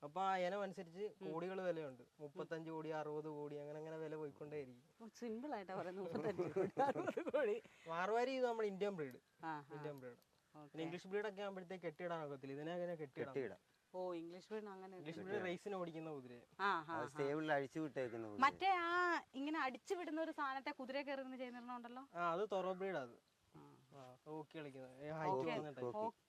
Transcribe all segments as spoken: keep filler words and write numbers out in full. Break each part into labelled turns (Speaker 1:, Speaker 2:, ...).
Speaker 1: അപ്പൊ ആ ഇനം അനുസരിച്ച് കോടികൾ വിലയുണ്ട്. മുപ്പത്തഞ്ച് കോടി അറുപത് കോടി അങ്ങനെ അങ്ങനെ വില പോയിക്കൊണ്ടേയിരിക്കും.
Speaker 2: സിമ്പിൾ ആയിട്ടാ പറയുന്നത്, മുപ്പത്തഞ്ച് കോടി അറുപത് കോടി.
Speaker 1: മാർവാരി ഇത് നമ്മുടെ ഇന്ത്യൻ ബ്രീഡ്. Indian breed. പിന്നെ ഇംഗ്ലീഷ് ബ്രീഡ് ഒക്കെ ആകുമ്പോഴത്തേക്ക് കെട്ടിയിടാൻ ഒക്കത്തില്ല. ഇതിനെ അങ്ങനെ കെട്ടിയിടാം.
Speaker 2: ഓ ഇംഗ്ലീഷ് ബ്രീഡ് അങ്ങനെ.
Speaker 1: ഇംഗ്ലീഷ് ബ്രീഡ് റേസിന് ഓടിക്കുന്ന കുതിര.
Speaker 2: മറ്റേ ആ ഇങ്ങനെ അടിച്ചു വിടുന്ന ഒരു സാധനത്തെ കുതിര കയറി ചെയ്യുന്നുണ്ടല്ലോ.
Speaker 1: ആ അത് തൊറോ ബ്രീഡ്. അത് ഹോക്കി കളിക്കുന്നത്.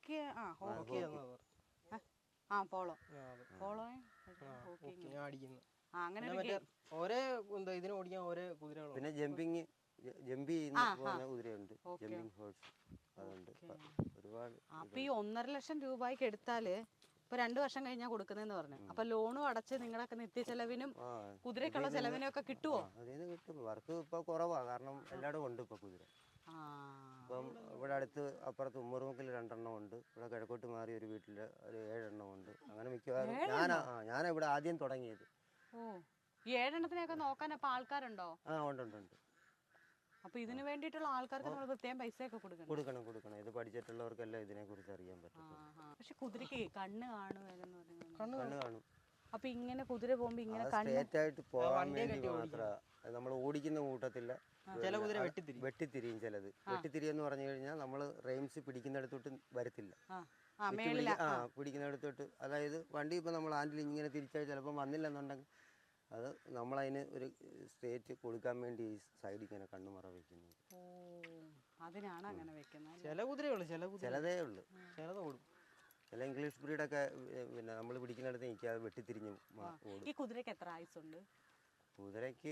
Speaker 2: ആ പോളോ പോളോ
Speaker 1: അടിക്കുന്നു. ഒരേ ഇതിനെ ഓടിക്കാൻ ഒരേ കുതിരകൾ.
Speaker 3: പിന്നെ ജമ്പിങ് ജമ്പ് ചെയ്യുന്ന കുതിരയുണ്ട്, ജമ്പിങ് ഹോഴ്സ് അതുണ്ട് ഒരുപാട്.
Speaker 2: അപ്പൊ ഈ ഒന്നര ലക്ഷം രൂപയ്ക്ക് എടുത്താല് ഇപ്പൊ രണ്ടു വർഷം കഴിഞ്ഞാൽ കൊടുക്കുന്നതെന്ന് പറഞ്ഞു. അപ്പൊ ലോണും അടച്ച് നിങ്ങളൊക്കെ നിത്യ ചെലവിനും കുതിരക്കുള്ള ചെലവിനും ഒക്കെ കിട്ടുമോ?
Speaker 3: അതിന് കിട്ടും. വർക്ക് ഇപ്പൊ കുറവാ, കാരണം എല്ലായിടും ഉണ്ട് ഇപ്പൊ കുതിര. ഇപ്പം ഇവിടെ അടുത്ത് അപ്പുറത്ത് ഉമ്മറുമുക്കിൽ രണ്ടെണ്ണം ഉണ്ട്. ഇവിടെ കിഴക്കോട്ട് മാറി ഒരു വീട്ടില് ഒരു ഏഴെണ്ണം ഉണ്ട്. അങ്ങനെ മിക്കവാറും ഞാനാ ഞാനാ ഇവിടെ ആദ്യം തുടങ്ങിയത്.
Speaker 2: ഓ ഈ ഏഴെണ്ണത്തിനെയൊക്കെ നോക്കാൻ അപ്പൊ ആൾക്കാരുണ്ടോ?
Speaker 3: ആ ഉണ്ട് ഉണ്ട് ഉണ്ട്.
Speaker 2: അപ്പൊ ഇതിന് വേണ്ടിയിട്ടുള്ള ആൾക്കാർക്ക് നമ്മൾ പ്രത്യേകം പൈസ ഒക്കെ കൊടുക്കണം.
Speaker 3: കൊടുക്കണം കൊടുക്കണം ഇത് പഠിച്ചിട്ടുള്ളവർക്കെല്ലാം ഇതിനെ കുറിച്ച് അറിയാൻ പറ്റും.
Speaker 2: പക്ഷെ കുതിരക്ക് കണ്ണ് കാണുമല്ലെന്ന് പറയുന്നത്.
Speaker 3: കണ്ണ് കാണും.
Speaker 2: അപ്പൊ ഇങ്ങനെ കുതിര പോകുമ്പോ ഇങ്ങനെ
Speaker 3: സ്ട്രേറ്റ് ആയിട്ട് പോകാൻ വേണ്ടി മാത്രം നമ്മൾ ഓടിക്കുന്ന കൂട്ടത്തില്ല.
Speaker 1: ചില കുതിര വെട്ടിത്തിരി
Speaker 3: വെട്ടിത്തിരിയും ചിലത്. വെട്ടിത്തിരി എന്ന് പറഞ്ഞു കഴിഞ്ഞാൽ നമ്മൾ റെയിംസ് പിടിക്കുന്നിടത്തോട്ട് വരത്തില്ല. ആ പിടിക്കുന്നിടത്തോട്ട്, അതായത് വണ്ടി ഇപ്പൊ നമ്മൾ ഹാൻഡിൽ ഇങ്ങനെ തിരിച്ചാൽ ചിലപ്പോൾ വന്നില്ലെന്നുണ്ടെങ്കിൽ അത് നമ്മളതിന് ഒരു സ്റ്റേറ്റ് കൊടുക്കാൻ വേണ്ടി ഈ സൈഡിൽ ഇങ്ങനെ കണ്ണുമറ വെക്കുന്നത്.
Speaker 2: അതിനാണ് അങ്ങനെ വെക്കുന്നത്.
Speaker 1: ചില കുതിരയുള്ളൂ, ചില
Speaker 3: ചിലതേ ഉള്ളു.
Speaker 1: ചിലത് ഓടും.
Speaker 3: ചില ഇംഗ്ലീഷ് ബ്രീഡൊക്കെ പിന്നെ നമ്മൾ പിടിക്കുന്നിടത്ത് നിൽക്കാതെ വെട്ടിത്തിരിഞ്ഞ് ഓടും.
Speaker 2: ഈ കുതിരക്ക് എത്ര ആയുസുണ്ട്?
Speaker 3: കുതിരക്ക്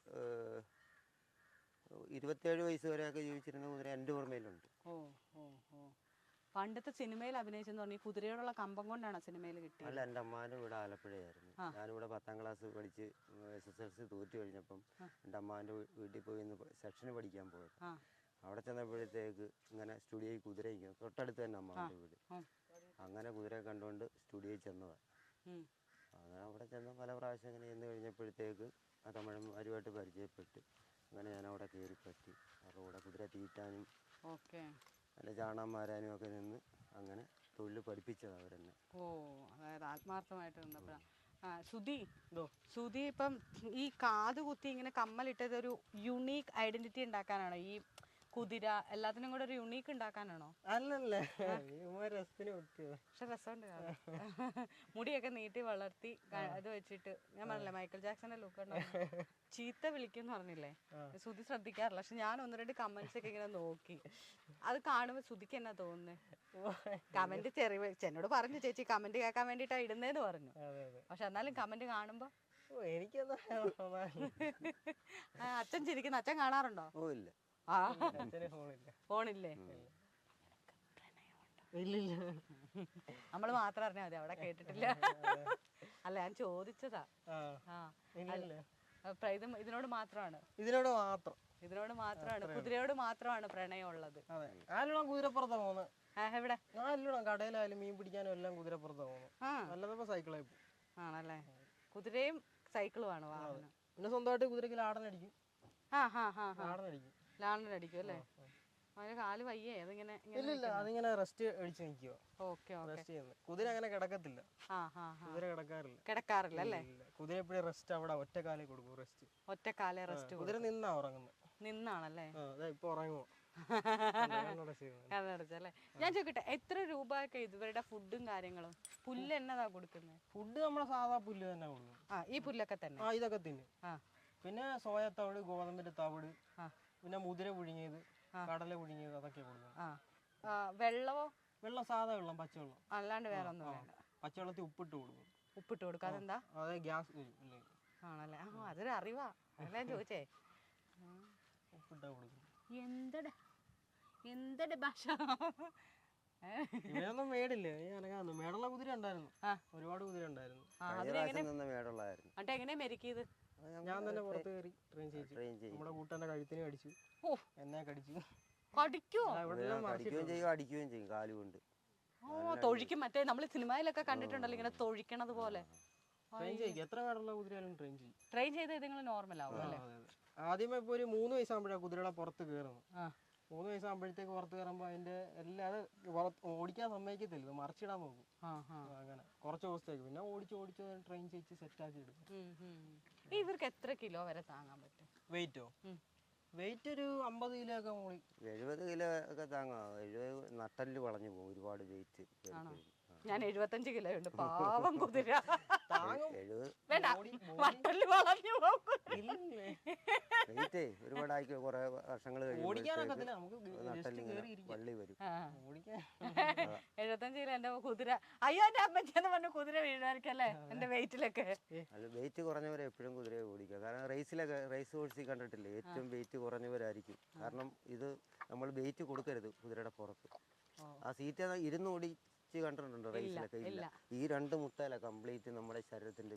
Speaker 3: ഇരുപത്തേഴ് വയസ്സ് വരെയൊക്കെ ജീവിച്ചിരുന്ന കുതിര എൻ്റെ ഓർമ്മയിലുണ്ട്.
Speaker 2: ഓ ഓ ഓ പണ്ടത്തെ സിനിമയിൽ അഭിനയിച്ചെന്ന് പറഞ്ഞാൽ ഈ കുതിരയോടുള്ള കമ്പം കൊണ്ടാണ് സിനിമയിൽ കിട്ടിയത്.
Speaker 3: അല്ല, എൻ്റെ അമ്മാൻ്റെ വീട് ആലപ്പുഴയായിരുന്നു. ഞാനിവിടെ പത്താം ക്ലാസ് പഠിച്ച് എസ് എസ് എൽ സി തോറ്റു കഴിഞ്ഞപ്പം എൻ്റെ അമ്മാൻ്റെ വീട്ടിൽ പോയി ഇന്ന് സെക്ഷന് പഠിക്കാൻ പോയത്. അവിടെ ചെന്നപ്പോഴത്തേക്ക് ഇങ്ങനെ സ്റ്റുഡിയോയിൽ കുതിര ഇരിക്കുന്നു. തൊട്ടടുത്ത് തന്നെ അമ്മാൻ്റെ വീട്. അങ്ങനെ കുതിരയെ കണ്ടുകൊണ്ട് സ്റ്റുഡിയോയിൽ ചെന്നതാണ്. അങ്ങനെ അവിടെ ചെന്ന് പല പ്രാവശ്യം ഇങ്ങനെ ചെന്ന് കഴിഞ്ഞപ്പോഴത്തേക്ക് ആ തമിഴന്മാരുമായിട്ട് പരിചയപ്പെട്ട് അങ്ങനെ ഞാൻ അവിടെ കയറി പറ്റി. അവരുടെ കൂടെ കുതിര തീറ്റാനും അല്ല ചാണാൻ മാരാനും ഒക്കെ നിന്ന് അങ്ങനെ തൊഴിൽ പഠിപ്പിച്ചത് അവരെന്നെ.
Speaker 2: ഓ അതായത് ആത്മാർത്ഥമായിട്ട് നിന്നപ്പോഴാണ്. സുധി സുധി ഇപ്പം ഈ കാത് കുത്തി ഇങ്ങനെ കമ്മലിട്ടത് ഒരു യുണീക്ക് ഐഡന്റിറ്റി ഉണ്ടാക്കാനാണോ? ഈ കുതിര എല്ലാത്തിനും കൂടെ ഒരു യുണീക്ക് ഉണ്ടാക്കാനാണോ?
Speaker 1: അല്ലല്ലേ,
Speaker 2: പക്ഷെ രസമുണ്ട്. മുടിയൊക്കെ നീട്ടി വളർത്തി അത് വെച്ചിട്ട് ഞാൻ പറഞ്ഞില്ലേ മൈക്കിൾ ജാക്സന്റെ ലുക്ക് ഉണ്ടോ? ചീത്ത വിളിക്കുന്ന് പറഞ്ഞില്ലേ, സുധി ശ്രദ്ധിക്കാറില്ല. പക്ഷെ ഞാൻ ഒന്ന് രണ്ട് കമന്റ്സ് ഒക്കെ ഇങ്ങനെ നോക്കി. അത് കാണുമ്പോ സുധിക്ക് എന്നാ തോന്നുന്നത്? കമന്റ് ചെറിയ എന്നോട് പറഞ്ഞു ചേച്ചി കമന്റ് കേൾക്കാൻ വേണ്ടിട്ടാ ഇടുന്നേന്ന് പറഞ്ഞു. പക്ഷെ എന്നാലും കമന്റ് കാണുമ്പോ
Speaker 1: എനിക്കെന്താ
Speaker 2: അച്ഛൻ ചിരിക്കുന്ന അച്ഛൻ കാണാറുണ്ടോ?
Speaker 3: ഓ ഇല്ല.
Speaker 2: ആ ഫോണില്ലേ? നമ്മള് മാത്രം അറിഞ്ഞാ മതി, അവിടെ കേട്ടിട്ടില്ല. അല്ല ഞാൻ ചോദിച്ചതാ. ഇത് ഇതിനോട് മാത്രമാണ്
Speaker 1: ഇതിനോട് മാത്രം
Speaker 2: ഇതിനോട് മാത്രമാണ് കുതിരയോട് മാത്രമാണ് പ്രണയം ഉള്ളത്.
Speaker 1: കുതിരപ്പുറത്താ പോകുന്നത്.
Speaker 2: എവിടെ?
Speaker 1: ഞാൻ കടയിലായാലും മീൻ പിടിക്കാനും എല്ലാം കുതിരപ്പുറത്താ പോകുന്നത്. അല്ലാതെ സൈക്കിളായി പോകും.
Speaker 2: ആണല്ലേ? കുതിരയും സൈക്കിളും ആണ് വാഹനം.
Speaker 1: പിന്നെ സ്വന്തമായിട്ട് കുതിരക്ക് ലാടനടിക്കും. ലാടനടിക്കും
Speaker 2: ലാടനടിക്കും അല്ലേ? അതിന് കാല് വയ്യേ? അതിങ്ങനെ
Speaker 1: അതിങ്ങനെ റെസ്റ്റ് അടിച്ച് നിൽക്കുക.
Speaker 2: Okay okay.
Speaker 1: കുതിര അങ്ങനെ കിടക്കത്തില്ല. കുതിര കിടക്കാറില്ല.
Speaker 2: കിടക്കാറില്ല അല്ലേ?
Speaker 1: കുതിര എപ്പോഴും റെസ്റ്റ് അവിടെ ഒറ്റക്കാലേ കൊടുക്കും. റെസ്റ്റ്
Speaker 2: ഒറ്റക്കാലേ റെസ്റ്റ്.
Speaker 1: കുതിര നിന്നാ ഉറങ്ങുന്നത്.
Speaker 2: നിന്നാണല്ലേ?
Speaker 1: ഇപ്പൊ ഉറങ്ങുമോ?
Speaker 2: കണ്ണടച്ചല്ലേ? ഞാൻ ചോദിക്കട്ടെ, എത്ര രൂപയൊക്കെ ഇവരുടെ ഫുഡും കാര്യങ്ങളും? പുല്ല് എന്നതാ കൊടുക്കുന്നത്?
Speaker 1: ഫുഡ് നമ്മളെ സാധാ പുല്ല് തന്നെ കൊടുക്കും.
Speaker 2: ആ ഈ പുല്ലൊക്കെ തന്നെ?
Speaker 1: ആ ഇതൊക്കെ തിന്നും. പിന്നെ സോയ തവിട്, ഗോതമ്പിന്റെ തവിട്, പിന്നെ മുതിര പുഴുങ്ങിയത്, കടല പുഴുങ്ങിയത് അതൊക്കെ കൊടുക്കും.
Speaker 2: വെള്ളമോ?
Speaker 1: വെള്ളം സാധാ വെള്ളം, പച്ചവെള്ളം,
Speaker 2: അല്ലാണ്ട് വേറെ ഒന്നും വേണ്ട.
Speaker 1: പച്ചവെള്ളത്തിൽ ഉപ്പിട്ട് കൊടുക്കും.
Speaker 2: ഉപ്പിട്ട് കൊടുക്കും. അതെന്താ?
Speaker 1: അതെ ഗ്യാസ്
Speaker 2: ആണല്ലേ? ആ അതൊരു അറിവാ. അല്ലേ ചോദിച്ചേ.
Speaker 1: ഉപ്പിട്ടാ കൊടുക്കും.
Speaker 2: എന്തടെ എന്തടെ ഭാഷ?
Speaker 1: ഇവയൊന്നും മേടില്ലേ? അനങ്ങാന്ന് മേടുള്ള കുതിര ഉണ്ടായിരുന്നു. ഒരുപാട് കുതിര ഉണ്ടായിരുന്നു.
Speaker 2: എന്നിട്ട് എങ്ങനെയാ മെരുക്കിയത്?
Speaker 1: ഞാൻ തന്നെ പുറത്ത് കയറി ട്രെയിൻ ചെയ്യിച്ചു. നമ്മുടെ കൂട്ടന്റെ കഴുത്തിന് കടിച്ചു, എന്നെ കടിച്ചു.
Speaker 2: കടിക്കുവോ?
Speaker 3: അടിക്കുകയും ചെയ്യും കാലുകൊണ്ട്.
Speaker 2: ഓ തൊഴിക്കും. മറ്റേ നമ്മള് സിനിമയിലൊക്കെ കണ്ടിട്ടുണ്ടല്ലോ ഇങ്ങനെ തൊഴിക്കണത് പോലെ.
Speaker 1: ട്രെയിൻ ചെയ്യും. എത്ര കാടുള്ള കുതിരയാലും ട്രെയിൻ ചെയ്യും.
Speaker 2: ട്രെയിൻ ചെയ്ത് നിങ്ങൾ നോർമൽ ആവും അല്ലേ?
Speaker 1: ആദ്യമേ ഇപ്പൊ ഒരു മൂന്ന് വയസ്സാകുമ്പോഴാണ് കുതിരകളെ പുറത്ത് കയറുന്നത്. മൂന്ന് വയസ്സാകുമ്പോഴത്തേക്ക് പുറത്ത് കയറുമ്പോൾ അതിന്റെ എല്ലാ അത് ഓടിക്കാൻ സമ്മതിക്കത്തില്ല, ഇത് മറിച്ചിടാൻ നോക്കും. അങ്ങനെ കുറച്ച് ദിവസത്തേക്ക് പിന്നെ ഓടിച്ച് ഓടിച്ച് ട്രെയിൻ ചെയ്ത് സെറ്റ് ആക്കി എടുക്കും.
Speaker 2: ഇവർക്ക് എത്ര കിലോ വരെ താങ്ങാൻ പറ്റും?
Speaker 1: വെയിറ്റോ? വെയിറ്റ് ഒരു അമ്പത് കിലോ ഒക്കെ മുകളിൽ.
Speaker 3: എഴുപത് കിലോ ഒക്കെ താങ്ങാം. എഴുപത് നട്ടല് വളഞ്ഞു പോകും ഒരുപാട് വെയിറ്റ്.
Speaker 2: ഞാൻ എഴുപത്തഞ്ച് കിലോ ഉണ്ട്, പാവം കുതിര.
Speaker 3: വെയിറ്റ് ഒരുപാട് ആയിക്കോ, കുറെ വർഷങ്ങൾ വള്ളി വരും.
Speaker 2: എഴുപത്തഞ്ച് കിലോ എന്റെ കുതിര. അയ്യോ എന്റെ അമ്മച്ചെന്ന് പറഞ്ഞ കുതിര വീഴുമായിരിക്കും അല്ലേ എന്റെ വെയിറ്റിലൊക്കെ?
Speaker 3: അല്ല, വെയിറ്റ് കുറഞ്ഞവരെ എപ്പോഴും കുതിരയെ ഓടിക്കുക. കാരണം റേസിലൊക്കെ റേസ് ഓടിച്ച് കണ്ടിട്ടില്ലേ, ഏറ്റവും വെയിറ്റ് കുറഞ്ഞവരായിരിക്കും. കാരണം ഇത് നമ്മൾ വെയിറ്റ് കൊടുക്കരുത് കുതിരയുടെ പുറത്ത്. ആ സീറ്റ് ഇരുന്ന് ഓടി കണ്ടിട്ടുണ്ടോ റേസിലൊക്കെ? ഇല്ല. ഈ രണ്ട് മുട്ടയില കംപ്ലീറ്റ് നമ്മുടെ ശരീരത്തിന്റെ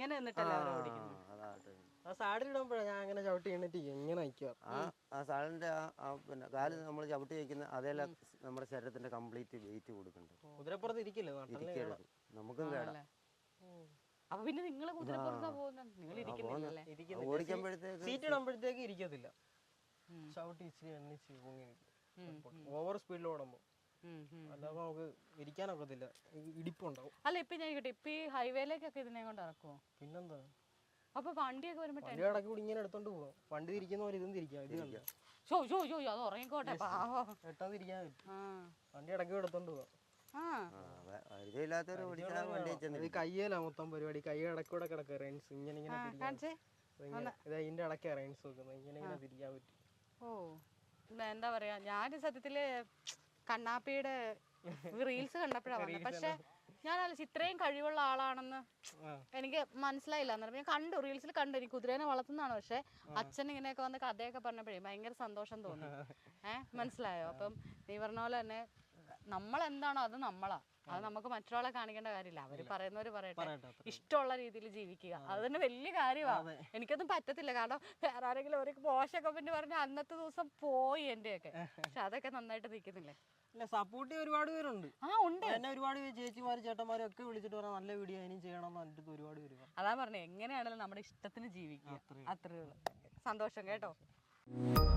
Speaker 1: ഞാൻ അങ്ങനെ ചവിട്ടി എണ്ണിട്ട് എങ്ങനെ
Speaker 3: ആ സാളിന്റെ പിന്നെ കാല് നമ്മൾ ചവിട്ടി വയ്ക്കുന്ന അതേല നമ്മുടെ ശരീരത്തിന്റെ കംപ്ലീറ്റ് വെയിറ്റ് കൊടുക്കണ്ട.
Speaker 1: കുതിരപ്പുറത്ത് ഇരിക്കില്ല,
Speaker 3: നമുക്കും കേടാ.
Speaker 2: അപ്പൊ പിന്നെ നിങ്ങൾ
Speaker 3: ഓടിക്കുമ്പോഴത്തേക്ക്
Speaker 1: സീറ്റ് ഇടുമ്പോഴത്തേക്ക് ഇരിക്കത്തില്ല, ചവിട്ടി ഇച്ചിരി എണ്ണിച്ച് ഓവർ സ്പീഡിൽ ഓടുമ്പോ അല്ലാതെ നമുക്ക് ഇരിക്കാനൊക്കത്തില്ല, ഇടിപ്പുണ്ടാവും.
Speaker 2: അല്ല ഇപ്പൊ ഞാൻ കേട്ടെ, ഇപ്പൊ ഈ ഹൈവേയിലേക്കൊക്കെ ഇതിനെ കൊണ്ട് ഇറക്കുമോ?
Speaker 1: പിന്നെന്താ,
Speaker 2: അപ്പൊ വണ്ടിയൊക്കെ വരുമ്പോ
Speaker 1: വണ്ടി ഇടയ്ക്ക് കൂടി ഇങ്ങനെ എടുത്തോണ്ട് പോവാം. വണ്ടി തിരിക്കുന്ന പോലെ ഇതും തിരിക്കാം. ഇത് കണ്ട
Speaker 2: അത് ഉറങ്ങിക്കോട്ടെ, പാവം.
Speaker 1: പെട്ടെന്ന് തിരിക്കാൻ പറ്റും. വണ്ടി ഇടയ്ക്ക് എടുത്തോണ്ട് പോവാം. കയ്യല മൊത്തം പരിപാടി, കൈ ഇടക്കൂടെ കിടക്കുക റൈൻസ് ഇങ്ങനെ ഇങ്ങനെ ഇതിന്റെ ഇടയ്ക്കാ റൈൻസ് വെക്കുന്നത്, ഇങ്ങനെ ഇങ്ങനെ തിരിക്കാൻ പറ്റും.
Speaker 2: ഓ എന്താ പറയാ, ഞാൻ സത്യത്തില് കണ്ണാപ്പിയുടെ റീൽസ് കണ്ടപ്പോഴാ വന്നത്. പക്ഷെ ഞാൻ ആലോചിച്ചു ഇത്രയും കഴിവുള്ള ആളാണെന്ന് എനിക്ക് മനസ്സിലായില്ല. അന്നേരം ഞാൻ കണ്ടു, റീൽസിൽ കണ്ടു, എനിക്ക് കുതിരേനെ വളർത്തുന്നതാണ്. പക്ഷെ അച്ഛൻ ഇങ്ങനെയൊക്കെ വന്ന് കഥയൊക്കെ പറഞ്ഞപ്പോഴേ ഭയങ്കര സന്തോഷം തോന്നി. ഏഹ് മനസ്സിലായോ? അപ്പം നീ പറഞ്ഞ പോലെ തന്നെ നമ്മളെന്താണോ അത് നമ്മളാ, അത് നമുക്ക് മറ്റൊരാളെ കാണിക്കേണ്ട കാര്യമില്ല. അവര് പറയുന്നവര് പറയട്ടെ, ഇഷ്ടമുള്ള രീതിയിൽ ജീവിക്കുക, അത് തന്നെ വലിയ കാര്യമാണ്. എനിക്കൊന്നും പറ്റത്തില്ല, കാരണം വേറെ ആരെങ്കിലും ഒരു മോശമൊക്കെ പിന്നെ പറഞ്ഞ അന്നത്തെ ദിവസം പോയി എന്റെയൊക്കെ. പക്ഷെ അതൊക്കെ നന്നായിട്ട് നിൽക്കുന്നില്ലേ?
Speaker 1: സപ്പോർട്ട് ഒരുപാട് പേരുണ്ട്.
Speaker 2: ആ ഉണ്ട്,
Speaker 1: എന്നെ ഒരുപാട് ചേച്ചിമാരും ചേട്ടന്മാരും ഒക്കെ വിളിച്ചിട്ട് പറയാം നല്ല വീഡിയോ ഇനിയും ചെയ്യണം എന്ന് പറഞ്ഞിട്ട് ഒരുപാട് പേര്.
Speaker 2: അതാ പറഞ്ഞേ, എങ്ങനെയാണെങ്കിലും നമ്മുടെ ഇഷ്ടത്തിന് ജീവിക്കുക, അത്രേ ഉള്ളൂ. സന്തോഷം കേട്ടോ.